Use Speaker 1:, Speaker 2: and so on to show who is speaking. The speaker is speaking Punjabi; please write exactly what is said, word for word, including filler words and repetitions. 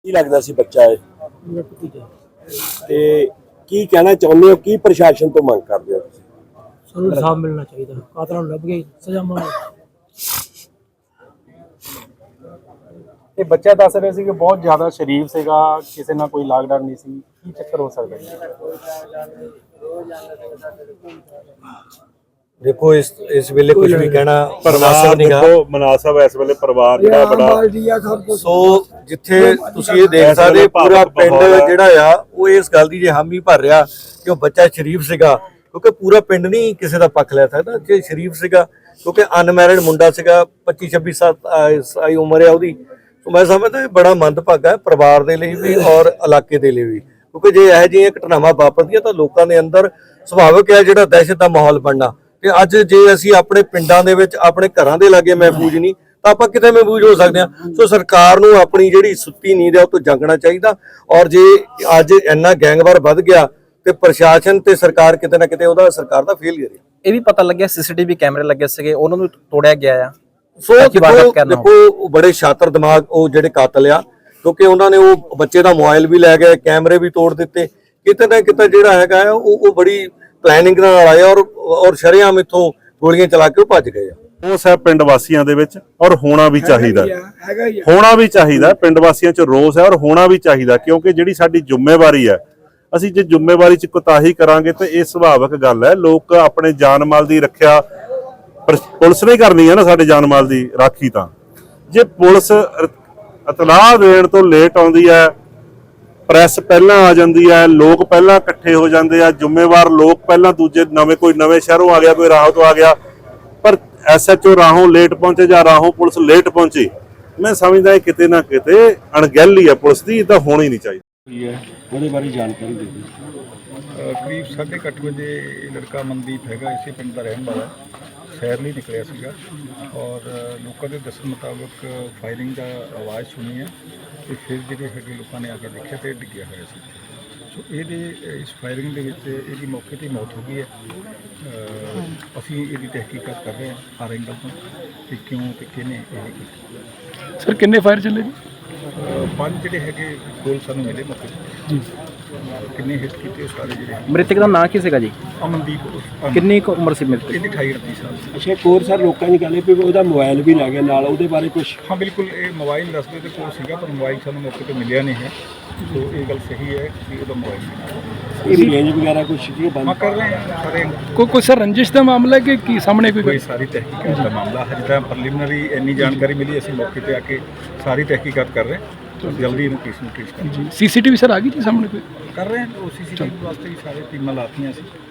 Speaker 1: ਕੀ ਲੱਗਦਾ ਸੀ ਬੱਚਾ ਇਹ ਤੇ ਕੀ ਕਹਿਣਾ ਚਾਹੁੰਦੇ ਹੋ, ਕੀ ਪ੍ਰਸ਼ਾਸਨ ਤੋਂ ਮੰਗ ਕਰਦੇ ਹੋ ਤੁਸੀਂ?
Speaker 2: ਸਾਨੂੰ ਇਨਸਾਫ ਮਿਲਣਾ ਚਾਹੀਦਾ, ਕਾਤਲਾਂ ਨੂੰ ਲੱਭ ਕੇ ਸਜ਼ਾ ਮਿਲਣੀ।
Speaker 3: ਇਹ ਬੱਚਾ ਦੱਸ ਰਿਹਾ ਸੀ ਕਿ ਬਹੁਤ ਜ਼ਿਆਦਾ ਸ਼ਰੀਫ ਸੀਗਾ, ਕਿਸੇ ਨਾਲ ਕੋਈ ਲਾਗ ਡਰ ਨਹੀਂ ਸੀ, ਕੀ ਚੱਕਰ ਹੋ ਸਕਦਾ ਹੈ?
Speaker 4: देखो इस इस वेले कुछ भी कहना
Speaker 5: ਪਰਿਵਾਰ ਦੇਖੋ ਮਨਾਸਬ ਇਸ ਵੇਲੇ ਪਰਿਵਾਰ ਜਿਹੜਾ ਬੜਾ
Speaker 4: ਸੋ ਜਿੱਥੇ ਤੁਸੀਂ ਇਹ ਦੇਖ ਸਕਦੇ ਪੂਰਾ ਪਿੰਡ ਜਿਹੜਾ ਆ ਉਹ ਇਸ ਗੱਲ ਦੀ ਜੇ ਹਾਮੀ ਭਰ ਰਿਹਾ ਕਿ ਉਹ ਬੱਚਾ ਸ਼ਰੀਫ ਸੀਗਾ, ਕਿਉਂਕਿ ਪੂਰਾ ਪਿੰਡ ਨਹੀਂ ਕਿਸੇ ਦਾ ਪੱਖ ਲੈ ਸਕਦਾ ਜੇ ਸ਼ਰੀਫ ਸੀਗਾ, ਕਿਉਂਕਿ ਅਨਮੈਰਿਡ ਮੁੰਡਾ ਸੀਗਾ, ਪੱਚੀ ਛੱਬੀ ਸਾਲ ਉਮਰ ਹੈ ਉਹਦੀ। ਸੋ ਮੈਂ ਸਮਝਦਾ ਇਹ ਬੜਾ ਮੰਦਭਾਗਾ ਹੈ ਪਰਿਵਾਰ ਦੇ ਲਈ ਵੀ ਔਰ ਇਲਾਕੇ ਦੇ ਲਈ ਵੀ, ਕਿਉਂਕਿ ਜੇ ਇਹੋ ਜਿਹੀਆਂ ਘਟਨਾਵਾਂ ਵਾਪਰਦੀਆਂ ਤਾਂ ਲੋਕਾਂ ਦੇ ਅੰਦਰ ਸੁਭਾਵਿਕ ਹੈ ਜਿਹੜਾ ਦਹਿਸ਼ਤ ਦਾ ਮਾਹੌਲ ਬਣਨਾ। ਤੇ ਅੱਜ ਜੇ ਅਸੀਂ ਆਪਣੇ ਪਿੰਡਾਂ ਦੇ ਵਿੱਚ ਆਪਣੇ ਘਰਾਂ ਦੇ ਲਾਗੇ ਮਹਿਫੂਜ਼ ਨਹੀਂ ਤਾਂ ਆਪਾਂ ਕਿਤੇ ਮਹਿਫੂਜ਼ ਹੋ ਸਕਦੇ ਹਾਂ। ਸੋ ਸਰਕਾਰ ਨੂੰ ਆਪਣੀ ਜਿਹੜੀ ਸੁੱਤੀ ਨੀਂਦ ਹੈ ਉਹ ਤੋਂ ਜਾਗਣਾ ਚਾਹੀਦਾ, ਔਰ ਜੇ ਅੱਜ ਇੰਨਾ ਗੈਂਗਵਾਰ ਵੱਧ ਗਿਆ ਤੇ ਪ੍ਰਸ਼ਾਸਨ ਤੇ ਸਰਕਾਰ ਕਿਤੇ ਨਾ ਕਿਤੇ ਉਹਦਾ ਸਰਕਾਰ ਦਾ ਫੇਲਿਅਰ ਹੈ।
Speaker 6: ਇਹ ਵੀ ਪਤਾ ਲੱਗਿਆ ਸੀਸੀਟੀਵੀ ਕੈਮਰੇ ਲੱਗੇ ਸੀਗੇ, ਉਹਨਾਂ ਨੂੰ ਤੋੜਿਆ ਗਿਆ ਆ।
Speaker 4: ਸੋ ਦੇਖੋ ਦੇਖੋ ਬੜੇ ਸ਼ਾਤਰ ਦਿਮਾਗ ਉਹ ਜਿਹੜੇ ਕਾਤਲ ਆ, ਕਿਉਂਕਿ ਉਹਨਾਂ ਨੇ ਉਹ ਬੱਚੇ ਦਾ ਮੋਬਾਈਲ ਵੀ ਲੈ ਗਏ, ਕੈਮਰੇ ਵੀ ਤੋੜ ਦਿੱਤੇ, ਕਿਤੇ ਨਾ ਕਿਤੇ ਜਿਹੜਾ ਹੈਗਾ ਉਹ ਉਹ ਬੜੀ ਪਲੈਨਿੰਗ ਨਾਲ ਆਏ ਔਰ ਔਰ ਸ਼ਰੇਆਮ ਇੱਥੋਂ ਗੋਲੀਆਂ ਚਲਾ ਕੇ ਉਹ ਭੱਜ ਗਏ ਆ।
Speaker 5: ਉਸ ਹੈ ਪਿੰਡ ਵਾਸੀਆਂ ਦੇ ਵਿੱਚ, ਔਰ ਹੋਣਾ ਵੀ ਚਾਹੀਦਾ ਹੋਣਾ ਵੀ ਚਾਹੀਦਾ ਪਿੰਡ ਵਾਸੀਆਂ 'ਚ ਰੋਸ ਹੈ ਔਰ ਹੋਣਾ ਵੀ ਚਾਹੀਦਾ, ਕਿਉਂਕਿ ਜਿਹੜੀ ਸਾਡੀ ਜ਼ਿੰਮੇਵਾਰੀ ਹੈ, ਅਸੀਂ ਜੇ ਜ਼ਿੰਮੇਵਾਰੀ 'ਚ ਕੁਤਾਹੀ ਕਰਾਂਗੇ ਤਾਂ ਇਹ ਸੁਭਾਵਿਕ ਗੱਲ ਹੈ। ਲੋਕ ਆਪਣੇ ਜਾਨ ਮਾਲ ਦੀ ਰੱਖਿਆ ਪੁਲਿਸ ਨੇ ਕਰਨੀ ਹੈ ਨਾ, ਸਾਡੇ ਜਾਨ ਮਾਲ ਦੀ ਰਾਖੀ। ਤਾਂ ਜੇ ਪੁਲਿਸ ਇਤਲਾਹ ਦੇਣ ਤੋਂ ਲੇਟ ਆਉਂਦੀ ਹੈ, ਪ੍ਰੈਸ ਪਹਿਲਾਂ ਆ ਜਾਂਦੀ ਹੈ, ਲੋਕ ਪਹਿਲਾਂ ਇਕੱਠੇ ਹੋ ਜਾਂਦੇ ਆ, ਜ਼ਿੰਮੇਵਾਰ ਲੋਕ ਪਹਿਲਾਂ ਦੂਜੇ ਨਵੇਂ ਕੋਈ ਨਵੇਂ ਸ਼ਹਿਰੋਂ ਆ ਗਿਆ, ਕੋਈ ਰਾਹੋਂ ਤੋਂ ਆ ਗਿਆ, ਪਰ ਐਸਐਚਓ ਰਾਹੋਂ ਲੇਟ ਪਹੁੰਚੇ ਜਾਂ ਰਾਹੋਂ ਪੁਲਿਸ ਲੇਟ ਪਹੁੰਚੀ, ਮੈਂ ਸਮਝਦਾ ਕਿਤੇ ਨਾ ਕਿਤੇ ਅਣਗਹਿਲੀ ਹੈ ਪੁਲਿਸ ਦੀ, ਤਾਂ ਹੋਣੀ ਨਹੀਂ ਚਾਹੀਦੀ।
Speaker 1: ਉਹਦੇ ਬਾਰੇ ਜਾਣਕਾਰੀ ਦੇ ਦਿਓ।
Speaker 7: ਕਰੀਬ ਸਾਢੇ ਕੁ ਅੱਠ ਵਜੇ ਲੜਕਾ ਮਨਦੀਪ ਹੈਗਾ, ਇਸੇ ਪਿੰਡ ਦਾ ਰਹਿਣ ਵਾਲਾ, ਸੈਰ ਲਈ ਨਿਕਲਿਆ ਸੀਗਾ ਔਰ ਲੋਕਾਂ ਦੇ ਦੱਸਣ ਮੁਤਾਬਕ ਫਾਇਰਿੰਗ ਦਾ ਆਵਾਜ਼ ਸੁਣੀ ਹੈ ਤੇ ਫਿਰ ਜਿਹੜੇ ਹੈਗੇ ਲੋਕਾਂ ਨੇ ਆ ਕੇ ਦੇਖਿਆ ਤੇ ਡਿੱਗਿਆ ਹੋਇਆ ਸੀ। ਸੋ ਇਹਦੇ ਇਸ ਫਾਇਰਿੰਗ ਦੇ ਵਿੱਚ ਇਹਦੀ ਮੌਕੇ 'ਤੇ ਮੌਤ ਹੋ ਗਈ ਹੈ। ਅਸੀਂ ਇਹਦੀ ਤਹਿਕੀਕਾਤ ਕਰ ਰਹੇ ਹਾਂ ਹਰ ਐਂਗਲ ਤੋਂ ਕਿ ਕਿਉਂ ਤੇ ਕਿਹਨੇ ਇਹ ਕੀਤਾ।
Speaker 2: ਸਰ ਕਿੰਨੇ ਫਾਇਰ ਚੱਲੇ ਜੀ?
Speaker 7: ਪੰਜ ਜਿਹੜੇ ਹੈਗੇ ਗੋਲ ਸਾਨੂੰ ਮਿਲੇ ਮੌਕੇ 'ਤੇ ਜੀ। ਕਿੰਨੇ ਹਿੱਟ ਕੀਤੇ ਸਾਰੇ ਜਿਹੜੇ।
Speaker 6: ਮ੍ਰਿਤਕ ਦਾ ਨਾਂ ਕੀ ਸੀਗਾ ਜੀ?
Speaker 7: ਅਮਨਦੀਪ।
Speaker 6: ਕਿੰਨੀ ਕੁ ਉਮਰ ਸੀ ਮ੍ਰਿਤਕ?
Speaker 7: ਇਹਦੀ ਅਠਾਈ ਉਨੱਤੀ ਸਾਲ।
Speaker 1: ਅੱਛਾ, ਹੋਰ ਸਰ ਲੋਕਾਂ ਦੀ ਗੱਲ ਹੈ ਵੀ ਉਹਦਾ ਮੋਬਾਈਲ ਵੀ ਲੈ ਗਿਆ ਨਾਲ, ਉਹਦੇ ਬਾਰੇ ਕੁਝ?
Speaker 7: ਹਾਂ ਬਿਲਕੁਲ, ਇਹ ਮੋਬਾਈਲ ਰਸਤੇ ਦੇ ਕੋਲ ਸੀਗਾ ਪਰ ਮੋਬਾਈਲ ਸਾਨੂੰ ਮੌਕੇ ਤੇ ਮਿਲਿਆ ਨਹੀਂ ਹੈ। ਸੋ ਇਹ ਗੱਲ ਸਹੀ ਹੈ ਕਿ ਉਹਦਾ ਮੋਬਾਈਲ
Speaker 1: ਇਹ ਰੇਂਜ ਵਗੈਰਾ ਕੁਝ ਕੀ ਬੰਦ
Speaker 7: ਹਾਂ ਕਰ ਰਹੇ ਹਾਂ ਸਾਰੇ।
Speaker 2: ਕੋਈ ਕੋਈ ਸਰ ਰੰਜਿਸ਼ ਦਾ ਮਾਮਲਾ ਕਿ ਕੀ ਸਾਹਮਣੇ ਕੋਈ?
Speaker 7: ਕੋਈ ਸਾਰੀ ਤਹਿਕੀਕਾਤ ਦਾ ਮਾਮਲਾ ਹਜੇ ਤਾਂ ਪ੍ਰੀਲਿਮਿਨਰੀ ਇੰਨੀ ਜਾਣਕਾਰੀ ਮਿਲੀ, ਅਸੀਂ ਮੌਕੇ ਤੇ ਆ ਕੇ ਸਾਰੀ ਤਹਿਕੀਕਾਤ ਕਰ ਰਹੇ ਹਾਂ, ਜਲਦੀ ਇਹਨੂੰ ਕੇਸ ਨੂੰ ਟ੍ਰੇਸ ਕਰਾਂਗੇ।
Speaker 2: ਸੀਸੀਟੀਵੀ ਸਰ ਆ ਗਈ ਜੀ ਸਾਹਮਣੇ ਕੋਈ?
Speaker 7: ਕਰ ਰਹੇ ਹਾਂ, ਉਹ ਸੀਸੀਟੀਵੀ ਵਾਸਤੇ ਵੀ ਸਾਰੇ ਟੀਮਾਂ ਲਾਤੀਆਂ ਸੀ।